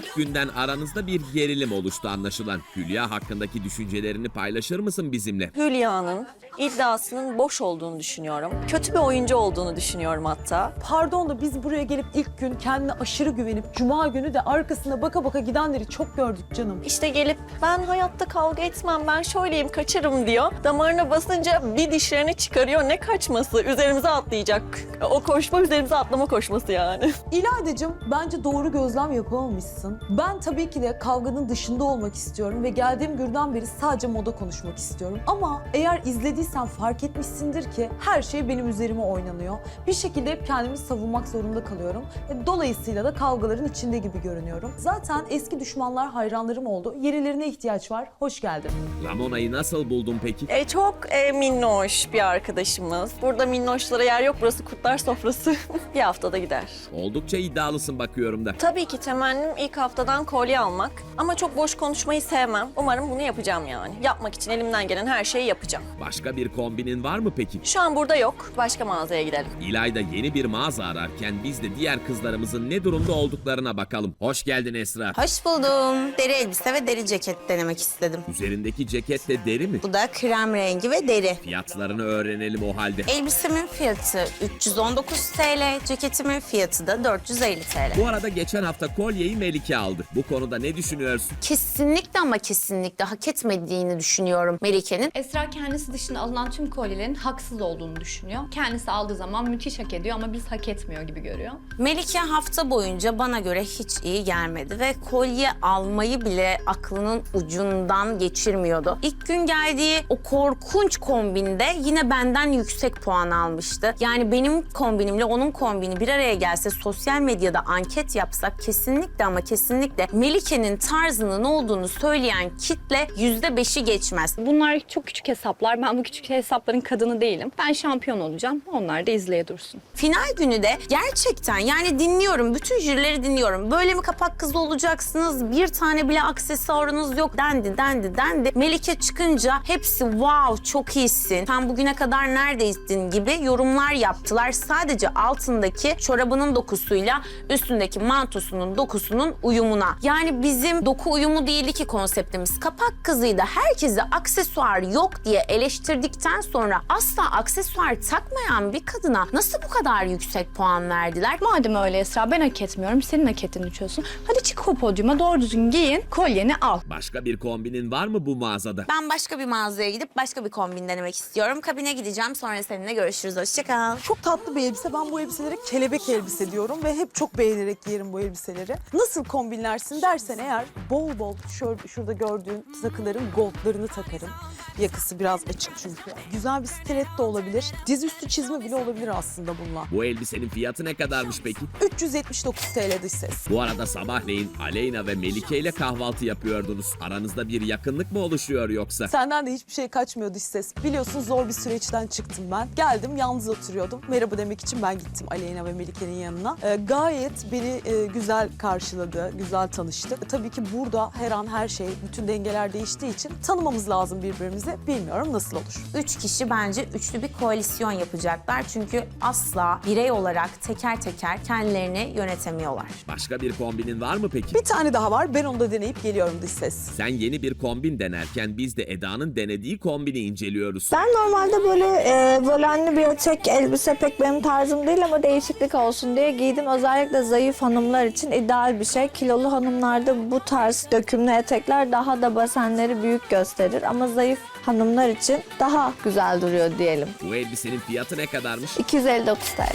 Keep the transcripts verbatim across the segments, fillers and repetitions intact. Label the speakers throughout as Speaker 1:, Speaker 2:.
Speaker 1: İlk günden aranızda bir gerilim oluştu anlaşılan. Hülya hakkındaki düşüncelerini paylaşır mısın bizimle?
Speaker 2: Hülya'nın iddiasının boş olduğunu düşünüyorum. Kötü bir oyuncu olduğunu düşünüyorum hatta.
Speaker 3: Pardon da biz buraya gelip ilk gün kendine aşırı güvenip cuma günü de arkasına baka baka gidenleri çok gördük canım.
Speaker 2: İşte gelip ben hayatta kavga etmem, ben şöyleyim, kaçarım diyor. Damarına basınca bir dişlerini çıkarıyor. Ne kaçması? Üzerimize atlayacak. O koşma üzerimize atlama koşması yani.
Speaker 3: İlaydacığım bence doğru gözlem yapamamışsın. Ben tabii ki de kavganın dışında olmak istiyorum ve geldiğim günden beri sadece moda konuşmak istiyorum. Ama eğer izlediysen fark etmişsindir ki her şey benim üzerime oynanıyor. Bir şekilde hep kendimi savunmak zorunda kalıyorum. E, Dolayısıyla da kavgaların içinde gibi görünüyorum. Zaten eski düşmanlar hayranlarım oldu. Yenilerine ihtiyaç var. Hoş geldin.
Speaker 1: Ramona'yı nasıl buldun peki?
Speaker 2: E, çok e, minnoş bir arkadaşımız. Burada minnoşlara yer yok. Burası kurtlar sofrası. Bir haftada gider.
Speaker 1: Oldukça iddialısın bakıyorum da.
Speaker 2: Tabii ki temennim ilk haftadan kolye almak. Ama çok boş konuşmayı sevmem. Umarım bunu yapacağım yani. Yapmak için elimden gelen her şeyi yapacağım.
Speaker 1: Başka bir kombinin var mı peki?
Speaker 2: Şu an burada yok. Başka mağazaya gidelim.
Speaker 1: İlayda yeni bir mağaza ararken biz de diğer kızlarımızın ne durumda olduklarına bakalım. Hoş geldin Esra.
Speaker 4: Hoş buldum. Deri elbise ve deri ceket denemek istedim.
Speaker 1: Üzerindeki ceket de deri mi?
Speaker 4: Bu da krem rengi ve deri.
Speaker 1: Fiyatlarını öğrenelim o halde.
Speaker 4: Elbisemin fiyatı üç yüz on dokuz TL, ceketimin fiyatı da dört yüz elli TL.
Speaker 1: Bu arada geçen hafta kolyeyi Melike aldı. Bu konuda ne düşünüyorsun?
Speaker 4: Kesinlikle ama kesinlikle hak etmediğini düşünüyorum Melike'nin.
Speaker 5: Esra kendisi dışında alınan tüm kolyelerin haksız olduğunu düşünüyor. Kendisi aldığı zaman müthiş hak ediyor ama biz hak etmiyor gibi görüyor.
Speaker 4: Melike hafta boyunca bana göre hiç iyi gelmedi ve kolye almayı bile aklının ucundan geçirmiyordu. İlk gün geldiği o korkunç kombinde yine benden yüksek puan almıştı. Yani benim kombinimle onun kombini bir araya gelse, sosyal medyada anket yapsak kesinlikle ama kesinlikle Melike'nin tarzının olduğunu söyleyen kitle yüzde beşi geçmez.
Speaker 5: Bunlar çok küçük hesaplar. Ben bu küçük hesapların kadını değilim. Ben şampiyon olacağım. Onlar da izleye dursun.
Speaker 4: Final günü de gerçekten yani dinliyorum, bütün jürileri dinliyorum. Böyle mi kapak kızı olacaksınız, bir tane bile aksesuarınız yok dendi, dendi, dendi. Melike çıkınca hepsi wow çok iyisin, sen bugüne kadar neredeydin gibi yorumlar yaptılar. Sadece altındaki çorabının dokusuyla üstündeki mantosunun dokusunun uyumuna. Yani bizim doku uyumu değildi ki konseptimiz. Kapak kızıydı. Herkese aksesuar yok diye eleştirdikten sonra asla aksesuar takmayan bir kadına nasıl bu kadar yüksek puan verdiler?
Speaker 5: Madem öyle Esra, ben hak etmiyorum. Senin hak ettiğini düşünüyorsun. Hadi çık o podyuma, doğru düzgün giyin, kolyeni al.
Speaker 1: Başka bir kombinin var mı bu mağazada?
Speaker 4: Ben başka bir mağazaya gidip başka bir kombin denemek istiyorum. Kabine gideceğim. Sonra seninle görüşürüz. Hoşça kal.
Speaker 3: Çok tatlı bir elbise. Ben bu elbiselere kelebek elbise diyorum ve hep çok beğenerek giyerim bu elbiseleri. Nasıl kombinlersin dersen eğer bol bol şöyle şurada gördüğün takıların goldlarını takarım. Yakası biraz açık çünkü. Güzel bir stiletto olabilir. Dizüstü çizme bile olabilir aslında bununla.
Speaker 1: Bu elbisenin fiyatı ne kadarmış peki?
Speaker 3: üç yüz yetmiş dokuz TL dış ses.
Speaker 1: Bu arada sabahleyin Aleyna ve Melike ile kahvaltı yapıyordunuz. Aranızda bir yakınlık mı oluşuyor yoksa?
Speaker 3: Senden de hiçbir şey kaçmıyor dış ses. Biliyorsun zor bir süreçten çıktım ben. Geldim yalnız oturuyordum. Merhaba demek için ben gittim Aleyna ve Melike'nin yanına. Ee, gayet beni e, güzel karşıladı, güzel tanıştı. E, tabii ki burada her an her şey, bütün dengeler değiştiği için tanımamız lazım birbirimizi. Bilmiyorum nasıl olur.
Speaker 4: Üç kişi bence üçlü bir koalisyon yapacaklar. Çünkü asla birey olarak teker teker kendilerini yönetemiyorlar.
Speaker 1: Başka bir kombinin var mı peki?
Speaker 3: Bir tane daha var. Ben onu da deneyip geliyorum dış ses.
Speaker 1: Sen yeni bir kombin denerken biz de Eda'nın denediği kombini inceliyoruz.
Speaker 6: Ben normalde böyle e, volenli bir etek elbise pek benim tarzım değil ama değişiklik olsun diye giydim. Özellikle zayıf hanımlar için ideal bir şey. Kilolu hanımlarda bu tarz dökümlü etekler daha da basenleri büyük gösterir ama zayıf hanımlar için daha güzel duruyor diyelim.
Speaker 1: Bu elbisenin fiyatı ne kadarmış?
Speaker 6: iki yüz elli dokuz TL.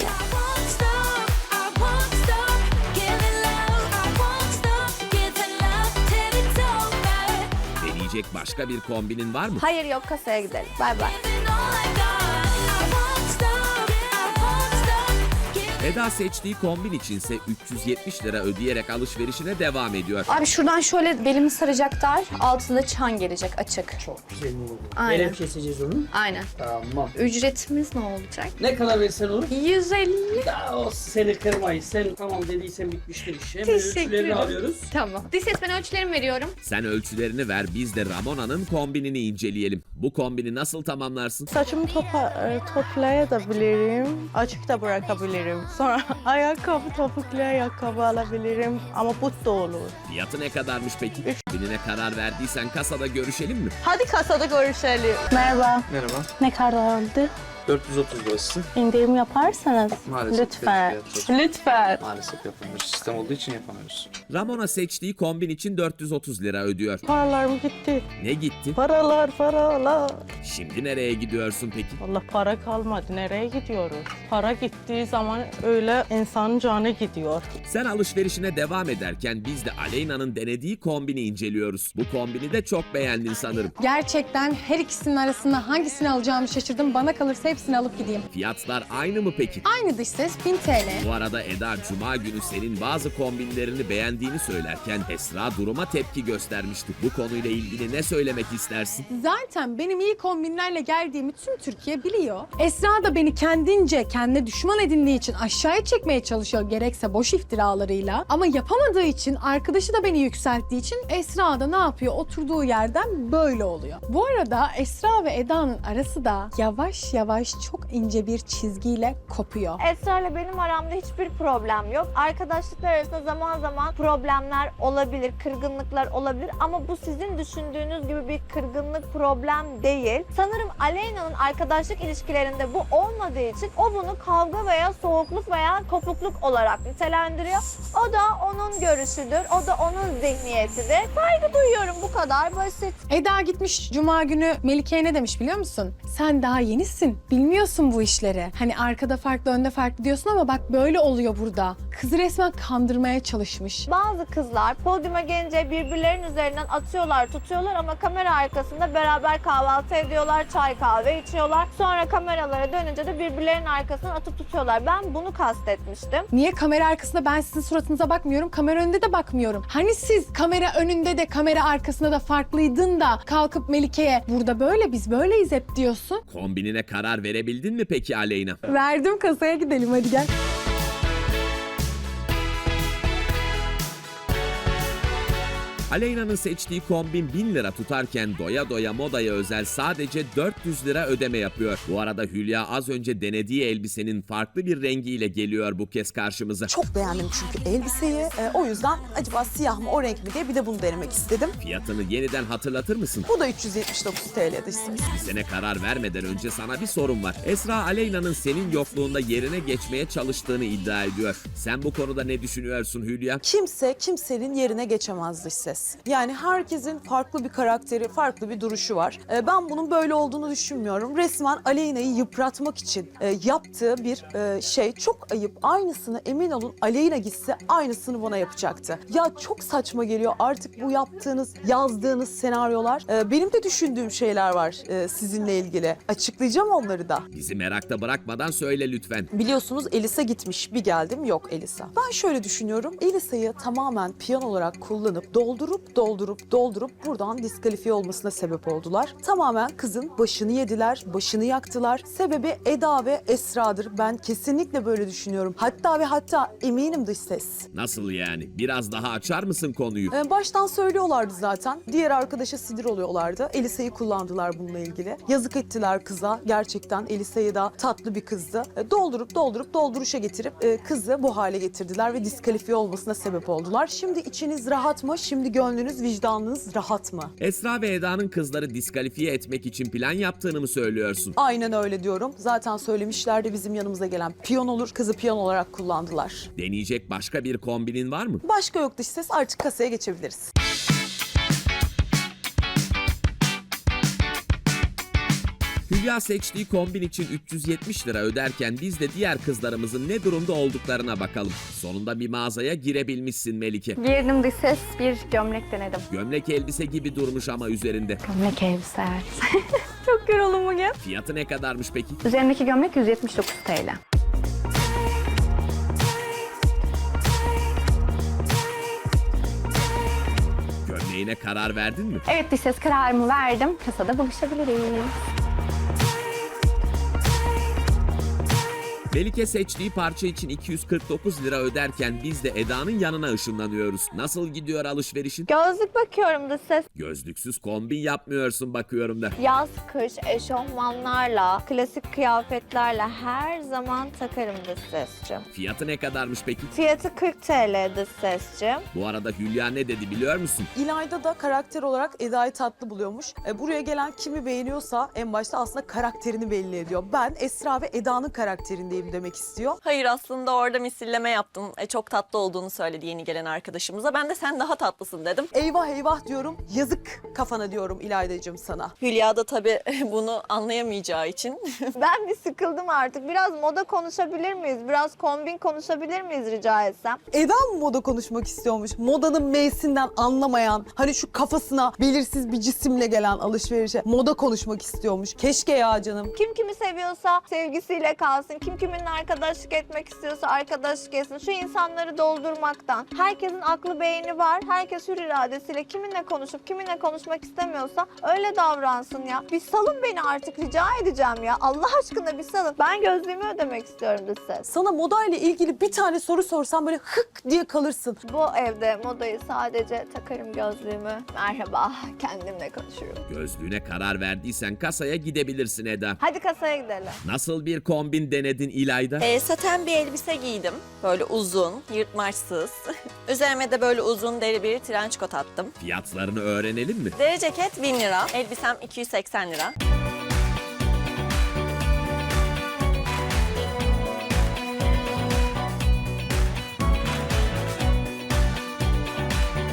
Speaker 1: Deneyecek başka bir kombinin var mı?
Speaker 6: Hayır yok, kasaya gidelim. Bay bay.
Speaker 1: Eda seçtiği kombin içinse üç yüz yetmiş lira ödeyerek alışverişine devam ediyor.
Speaker 5: Abi şuradan şöyle belimi saracak dar, altında çan gelecek açık.
Speaker 7: Çok güzel oldu.
Speaker 5: Aynen.
Speaker 7: Nereye keseceğiz onu?
Speaker 5: Aynen.
Speaker 7: Tamam.
Speaker 5: Ücretimiz ne olacak?
Speaker 7: Ne kadar versen olur?
Speaker 5: yüz elli.
Speaker 7: Ya o seni kırmayız. Sen tamam dediysen bitmiştir iş. Hemen
Speaker 5: Teşekkür
Speaker 7: ölçülerini
Speaker 5: ederim.
Speaker 7: alıyoruz.
Speaker 5: Tamam. Dış ses, ben ölçülerimi veriyorum.
Speaker 1: Sen ölçülerini ver, biz de Ramona'nın kombinini inceleyelim. Bu kombini nasıl tamamlarsın?
Speaker 8: Saçımı topa, e, toplayabilirim, açık da bırakabilirim. Sonra ayakkabı, topuklu ayakkabı alabilirim ama but da olur.
Speaker 1: Fiyatı ne kadarmış peki? Binine karar verdiysen kasada görüşelim mi?
Speaker 8: Hadi kasada görüşelim. Merhaba.
Speaker 9: Merhaba.
Speaker 8: Ne kadar oldu?
Speaker 9: dört yüz otuz lirası.
Speaker 8: İndirim yaparsanız
Speaker 9: Maalesef
Speaker 8: lütfen.
Speaker 9: fiyat çok-
Speaker 8: Lütfen.
Speaker 9: Maalesef yapamıyoruz. Sistem olduğu için yapamıyoruz.
Speaker 1: Ramona seçtiği kombin için dört yüz otuz lira ödüyor.
Speaker 8: Paralarım gitti.
Speaker 1: Ne gitti?
Speaker 8: Paralar, paralar.
Speaker 1: Şimdi nereye gidiyorsun peki?
Speaker 8: Allah para kalmadı. Nereye gidiyoruz? Para gittiği zaman öyle insanın canı gidiyor.
Speaker 1: Sen alışverişine devam ederken biz de Aleyna'nın denediği kombini inceliyoruz. Bu kombini de çok beğendin sanırım.
Speaker 10: Gerçekten her ikisinin arasında hangisini alacağımı şaşırdım. Bana kalırsa hepsini alıp gideyim.
Speaker 1: Fiyatlar aynı mı peki?
Speaker 10: Aynı dış ses bin T L.
Speaker 1: Bu arada Eda Cuma günü senin bazı kombinlerini beğendiğini söylerken Esra duruma tepki göstermişti. Bu konuyla ilgili ne söylemek istersin?
Speaker 10: Zaten benim iyi kombinlerle geldiğimi tüm Türkiye biliyor. Esra da beni kendince kendine düşman edindiği için aşağıya çekmeye çalışıyor, gerekse boş iftiralarıyla. Ama yapamadığı için, arkadaşı da beni yükselttiği için Esra da ne yapıyor? Oturduğu yerden böyle oluyor. Bu arada Esra ve Eda'nın arası da yavaş yavaş çok ince bir çizgiyle kopuyor.
Speaker 6: Esra ile benim aramda hiçbir problem yok. Arkadaşlıklar arasında zaman zaman problemler olabilir, kırgınlıklar olabilir ama bu sizin düşündüğünüz gibi bir kırgınlık, problem değil. Sanırım Aleyna'nın arkadaşlık ilişkilerinde bu olmadığı için o bunu kavga veya soğukluk veya kopukluk olarak nitelendiriyor. O da onun görüşüdür, o da onun zihniyetidir. Saygı duyuyorum, bu kadar basit.
Speaker 10: Eda gitmiş Cuma günü Melike'ye ne demiş biliyor musun? Sen daha yenisin, bilmiyorsun bu işleri. Hani arkada farklı, önde farklı diyorsun ama bak böyle oluyor burada. Kızı resmen kandırmaya çalışmış.
Speaker 6: Bazı kızlar podyuma gelince birbirlerinin üzerinden atıyorlar, tutuyorlar ama kamera arkasında beraber kahvaltı ediyorlar, çay kahve içiyorlar. Sonra kameralara dönünce de birbirlerinin arkasından atıp tutuyorlar. Ben bunu kastetmiştim.
Speaker 10: Niye kamera arkasında ben sizin suratınıza bakmıyorum, kamera önünde de bakmıyorum. Hani siz kamera önünde de kamera arkasında da farklıydın da kalkıp Melike'ye burada böyle biz böyleyiz hep diyorsun.
Speaker 1: Kombinine karar verebildin mi peki Aleyna?
Speaker 10: Verdim, kasaya gidelim hadi gel.
Speaker 1: Aleyna'nın seçtiği kombin bin lira tutarken doya doya modaya özel sadece dört yüz lira ödeme yapıyor. Bu arada Hülya az önce denediği elbisenin farklı bir rengiyle geliyor bu kez karşımıza.
Speaker 3: Çok beğendim çünkü elbiseyi. Ee, o yüzden acaba siyah mı o renk mi diye bir de bunu denemek istedim.
Speaker 1: Fiyatını yeniden hatırlatır mısın?
Speaker 3: Bu da üç yüz yetmiş dokuz T L'de işte.
Speaker 1: Bir sene karar vermeden önce sana bir sorum var. Esra Aleyna'nın senin yokluğunda yerine geçmeye çalıştığını iddia ediyor. Sen bu konuda ne düşünüyorsun Hülya?
Speaker 3: Kimse kimsenin yerine geçemez dış ses. Yani herkesin farklı bir karakteri, farklı bir duruşu var. Ee, ben bunun böyle olduğunu düşünmüyorum. Resmen Aleyna'yı yıpratmak için e, yaptığı bir e, şey çok ayıp. Aynısını emin olun Aleyna gitse aynısını bana yapacaktı. Ya çok saçma geliyor artık bu yaptığınız, yazdığınız senaryolar. E, benim de düşündüğüm şeyler var e, sizinle ilgili. Açıklayacağım onları da.
Speaker 1: Bizi merakta bırakmadan söyle lütfen.
Speaker 3: Biliyorsunuz Elisa gitmiş. Bir geldim yok Elisa. Ben şöyle düşünüyorum. Elisa'yı tamamen piyano olarak kullanıp doldurup doldurup doldurup buradan diskalifiye olmasına sebep oldular. Tamamen kızın başını yediler, başını yaktılar. Sebebi Eda ve Esra'dır. Ben kesinlikle böyle düşünüyorum. Hatta ve hatta eminim dış ses.
Speaker 1: Nasıl yani? Biraz daha açar mısın konuyu?
Speaker 3: Ee, baştan söylüyorlardı zaten. Diğer arkadaşa sinir oluyorlardı. Elisa'yı kullandılar bununla ilgili. Yazık ettiler kıza. Gerçekten Elisa'yı da tatlı bir kızdı. Ee, doldurup doldurup dolduruşa getirip e, kızı bu hale getirdiler ve diskalifiye olmasına sebep oldular. Şimdi içiniz rahat mı? Şimdi gönlünüz, vicdanınız rahat mı?
Speaker 1: Esra ve Eda'nın kızları diskalifiye etmek için plan yaptığını mı söylüyorsun?
Speaker 3: Aynen öyle diyorum. Zaten söylemişlerdi bizim yanımıza gelen piyon olur. Kızı piyon olarak kullandılar.
Speaker 1: Deneyecek başka bir kombinin var mı?
Speaker 3: Başka yok dış ses. Artık kasaya geçebiliriz.
Speaker 1: Hülya seçtiği kombin için üç yüz yetmiş lira öderken biz de diğer kızlarımızın ne durumda olduklarına bakalım. Sonunda bir mağazaya girebilmişsin Melike.
Speaker 11: Girdim dış ses, bir gömlek denedim.
Speaker 1: Gömlek elbise gibi durmuş ama üzerinde.
Speaker 11: Gömlek elbise evet. Çok yoruldum bugün.
Speaker 1: Fiyatı ne kadarmış peki?
Speaker 11: Üzerindeki gömlek yüz yetmiş dokuz T L.
Speaker 1: Gömleğine karar verdin mi?
Speaker 11: Evet dış ses, kararımı verdim. Kasada buluşabiliriz.
Speaker 1: Melike seçtiği parça için iki yüz kırk dokuz lira öderken biz de Eda'nın yanına ışınlanıyoruz. Nasıl gidiyor alışverişin?
Speaker 6: Gözlük bakıyorum da ses.
Speaker 1: Gözlüksüz kombin yapmıyorsun bakıyorum da.
Speaker 6: Yaz, kış, eşofmanlarla, klasik kıyafetlerle her zaman takarım dış sesçim.
Speaker 1: Fiyatı ne kadarmış peki?
Speaker 6: Fiyatı kırk TL dış sesçim.
Speaker 1: Bu arada Hülya ne dedi biliyor musun?
Speaker 3: İlayda da karakter olarak Eda'yı tatlı buluyormuş. E, buraya gelen kimi beğeniyorsa en başta aslında karakterini belli ediyor. Ben Esra ve Eda'nın karakterindeyim demek istiyor.
Speaker 2: Hayır, aslında orada misilleme yaptım. E, çok tatlı olduğunu söyledi yeni gelen arkadaşımıza. Ben de sen daha tatlısın dedim.
Speaker 3: Eyvah eyvah diyorum, yazık kafana diyorum İlaydacığım sana.
Speaker 2: Hülya da tabii bunu anlayamayacağı için.
Speaker 6: Ben bir sıkıldım artık. Biraz moda konuşabilir miyiz? Biraz kombin konuşabilir miyiz rica etsem?
Speaker 3: Eda mı moda konuşmak istiyormuş? Modanın meysinden anlamayan, hani şu kafasına belirsiz bir cisimle gelen alışverişe moda konuşmak istiyormuş. Keşke ya canım.
Speaker 6: Kim kimi seviyorsa sevgisiyle kalsın. Kim kiminle arkadaşlık etmek istiyorsa arkadaşlık etsin. Şu insanları doldurmaktan. Herkesin aklı beyni var. Herkes hür iradesiyle kiminle konuşup kiminle konuşmak istemiyorsa öyle davransın ya. Bir salın beni artık rica edeceğim ya. Allah aşkına bir salın. Ben gözlüğümü ödemek istiyorum dış ses.
Speaker 3: Sana moda ile ilgili bir tane soru sorsam böyle hık diye kalırsın.
Speaker 6: Bu evde modayı sadece takarım gözlüğümü. Merhaba, kendimle konuşurum.
Speaker 1: Gözlüğüne karar verdiysen kasaya gidebilirsin Eda.
Speaker 6: Hadi kasaya gidelim.
Speaker 1: Nasıl bir kombin denedin İlayda?
Speaker 2: E, saten bir elbise giydim. Böyle uzun, yırtmaçsız. Üzerime de böyle uzun deri bir trenç kot attım.
Speaker 1: Fiyatlarını öğrenelim mi?
Speaker 2: Deri ceket bin lira, elbisem iki yüz seksen lira.